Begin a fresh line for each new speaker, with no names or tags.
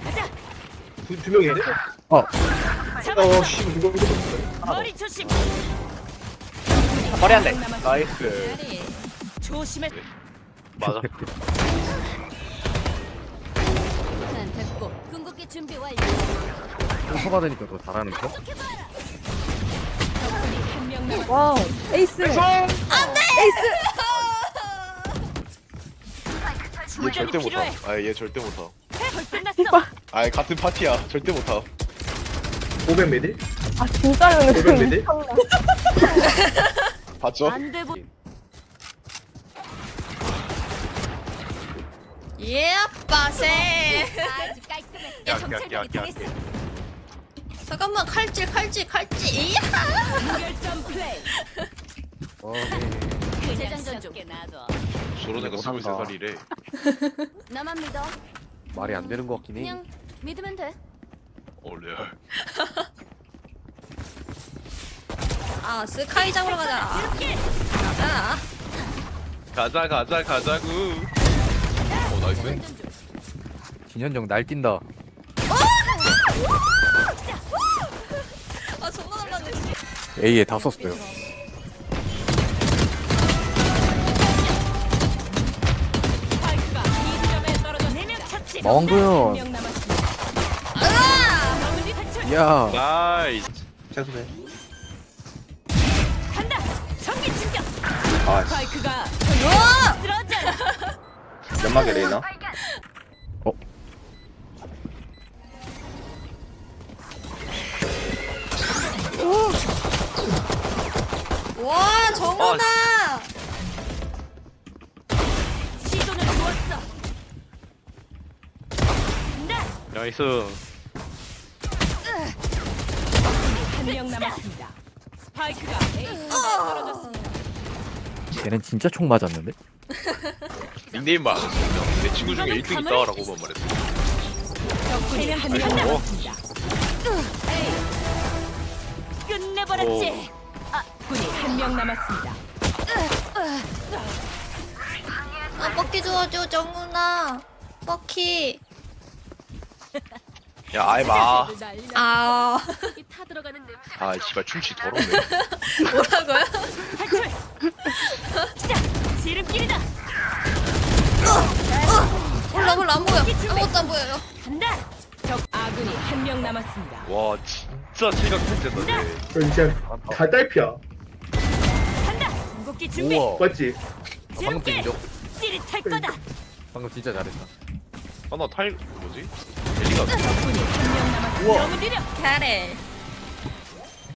가자.
두 명이야?
잡았어.
씨, 이거
머리 조심.
머리 한 대.
나이스.
조심해.
맞아.
난 됐고 궁극기 준비 완료.
또 받으니까 더 잘하는 거?
적군이 한 명 남았어.
와우 에이스
얘
충전이
절대
필요해.
못하. 아얘 절대 못하.
헐 끝났어.
아 같은 파티야. 절대 못하.
500 메딜?
아 진짜로는
500 메딜?
봤죠?
안돼 보.
예, 빠세.
아주 깔끔했어.
야야야야.
잠깐만, 칼질. 이야.
무결점 플레이. 그냥
재장전 중.
게 놔둬.
저런 애가
못한다.
23살이래.
나만 믿어.
말이 안 되는 것 같긴 해.
그냥 믿으면 돼.
레알.
아, 스카이 잡으러 가자. 가자.
가자고. 나이스.
재장전 중.
진현정 날뛴다.
아, 존나 놀랐네.
A에 다 썼어요.
스파이크가 이 지점에 떨어져 4명 처치.
마왕도현.
한명 남았습니다. 마무리 탈출.
야.
나이스.
최소네.
간다. 전기 충격.
아
스파이크가 쓰러져.
연막에 레이나.
와, 정훈아.
시도는 좋았어. 간다.
나이스.
한 명 남았습니다. 스파이크가 A에 떨어졌습니다.
걔는 진짜 총 맞았는데?
닉네임 말. 내 친구 중에 1등 있다라고만 말했어.
적군이 한 명 남았습니다. 에이. 끝내버렸지. 군이 한 명 남았습니다.
아, 뻑키 도와줘, 정훈아. 뻑키.
야 아이 마.
아,
타 들어가는 냄새.
아 씨발 춤치 더럽네.
뭐라고요?
탈출. 시작. 지름길이다.
몰라, 안 보여. 아무것도 안 보여요.
간다. 적 아군이 한 명 남았습니다.
와 진짜 체각 텐트다 쟤.
진짜 다 딸피야.
간다. 궁극기 준비.
우와.
맞지?
방금
지름길.
인정.
찌릿할 거다.
방금 진짜 잘했다.
하나 타일 뭐지? 엘리가
적군이 한 명 남았습니다. 너무 느려.
잘해.